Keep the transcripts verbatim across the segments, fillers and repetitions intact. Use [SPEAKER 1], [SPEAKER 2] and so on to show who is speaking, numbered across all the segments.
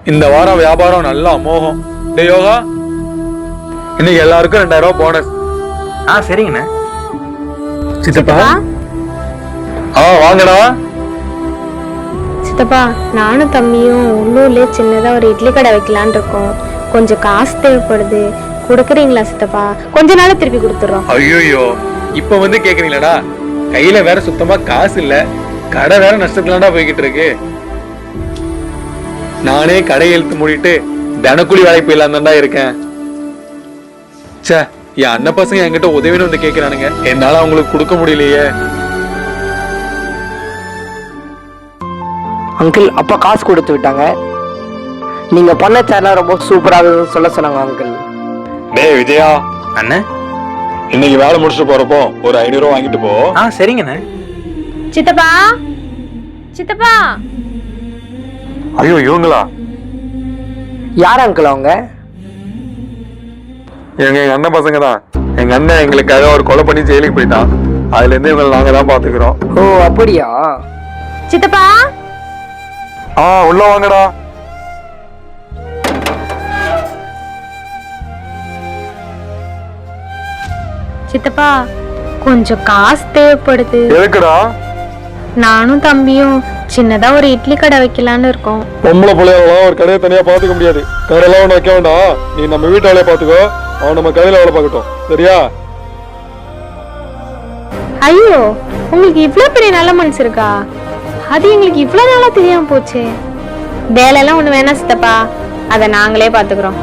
[SPEAKER 1] இந்த வாரம் வியாபாரம் நல்லா அமோகம். டேய் யோகா, இன்னைக்கு எல்லாருக்கும் ரெண்டாயிரம் ரூபாய் போனஸ்.
[SPEAKER 2] ஆ சரிங்கண்ணே.
[SPEAKER 1] சித்தப்பா ஆ வாங்கடா.
[SPEAKER 3] சித்தப்பா நானும் தம்பியும் உள்ளூர்லயே சின்னதா ஒரு இட்லி கடை வைக்கலான் இருக்கோம். கொஞ்சம் காசு தேவைப்படுது, கொடுக்குறீங்களா சித்தப்பா? கொஞ்ச நாள் திருப்பி கொடுத்துறோம்.
[SPEAKER 1] ஐயோ இப்ப வந்து கேக்குறீங்களா? கையில வேற சுத்தமா காசு இல்ல, கடை வேற நஷ்டத்துலாண்டா போய்கிட்டு இருக்கு. நானே கடை இழுத்து மூடிட்டு தினக்கூலி வேலைக்கு போயிடலாம் தான்டா இருக்கேன். சே, என் அண்ணன் பசங்க என்கிட்ட உதவின்னு வந்து கேக்குறானுங்க, என்னால அவங்களுக்கு கொடுக்க முடியலையே.
[SPEAKER 4] அங்கிள் அப்பா காசு கொடுத்து விட்டாங்க. நீங்க பண்ண சேனல் ரொம்ப சூப்பராக சொல்ல சொன்னாங்க அங்கிள்.
[SPEAKER 1] டேய் விஜயா
[SPEAKER 2] அண்ணே,
[SPEAKER 1] இன்னைக்கு வேலை முடிச்சுட்டு போறப்போ ஒரு ஐநூறு ரூபா வாங்கிட்டு போ.
[SPEAKER 2] ஆ சரிங்கண்ணே.
[SPEAKER 3] சித்தப்பா சித்தப்பா
[SPEAKER 1] ஐயோ இவங்களா?
[SPEAKER 4] யார் அங்கிள் அவங்க?
[SPEAKER 1] எங்க எங்க அண்ணன் பசங்க தான். எங்க அண்ணன் எங்களுக்காக ஒரு கொலை பண்ணி ஜெயிலுக்கு போயிட்டான். அதுல இருந்து இவங்களை நாங்க தான் பாத்துக்கிறோம்.
[SPEAKER 4] ஓ அப்படியா?
[SPEAKER 3] சித்தப்பா
[SPEAKER 1] ஆ உள்ள வாங்கடா.
[SPEAKER 3] சித்தப்பா கொஞ்சம் காசு தேவைப்படுது.
[SPEAKER 1] எதுக்குடா?
[SPEAKER 3] நானும் தம்பியும் சின்னதா ஒரு இட்லி கடை வைக்கலான்னு இருக்கோம்.
[SPEAKER 1] பொம்பளை பிள்ளையெல்லாம் ஒரு கடையை தனியா பாத்துக்க முடியாது. கடையெல்லாம் ஒண்ணு வைக்க வேண்டாம், நீ நம்ம வீட்டு வேலையை பாத்துக்கோ, அவன் நம்ம கடையில வேலை பார்க்கட்டும், சரியா?
[SPEAKER 3] ஐயோ உங்களுக்கு இவ்வளவு பெரிய நல்ல மனசு இருக்கா? அது எங்களுக்கு இவ்வளவு நாளா தெரியாம போச்சு. வேலையெல்லாம் ஒண்ணு வேணாம் சித்தப்பா, அதை நாங்களே பாத்துக்கிறோம்.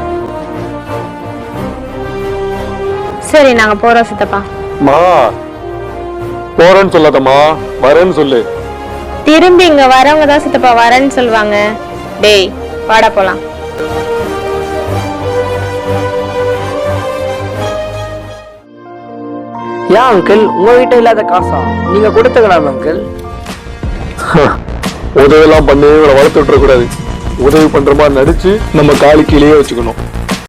[SPEAKER 3] சரி நாங்க போறோம் சித்தப்பா.
[SPEAKER 1] மா போறேன்னு சொல்லாதம்மா, வரேன்னு சொல்லு.
[SPEAKER 3] திரும்பி இங்க வரவங்க தான் சித்தப்பா வரேன்னு சொல்லுவாங்க. டேய் வாடா போலாம்.
[SPEAKER 4] ஏன் அங்கிள் உங்க வீட்டை இல்லாத காசா? நீங்க கொடுத்துக்கலாம் அங்கிள்.
[SPEAKER 1] உதவி எல்லாம் பண்ணி இவரை வளர்த்து விட்டுற கூடாது. உதவி பண்ற மாதிரி நடிச்சு நம்ம காலு கீழேயே வச்சுக்கணும்.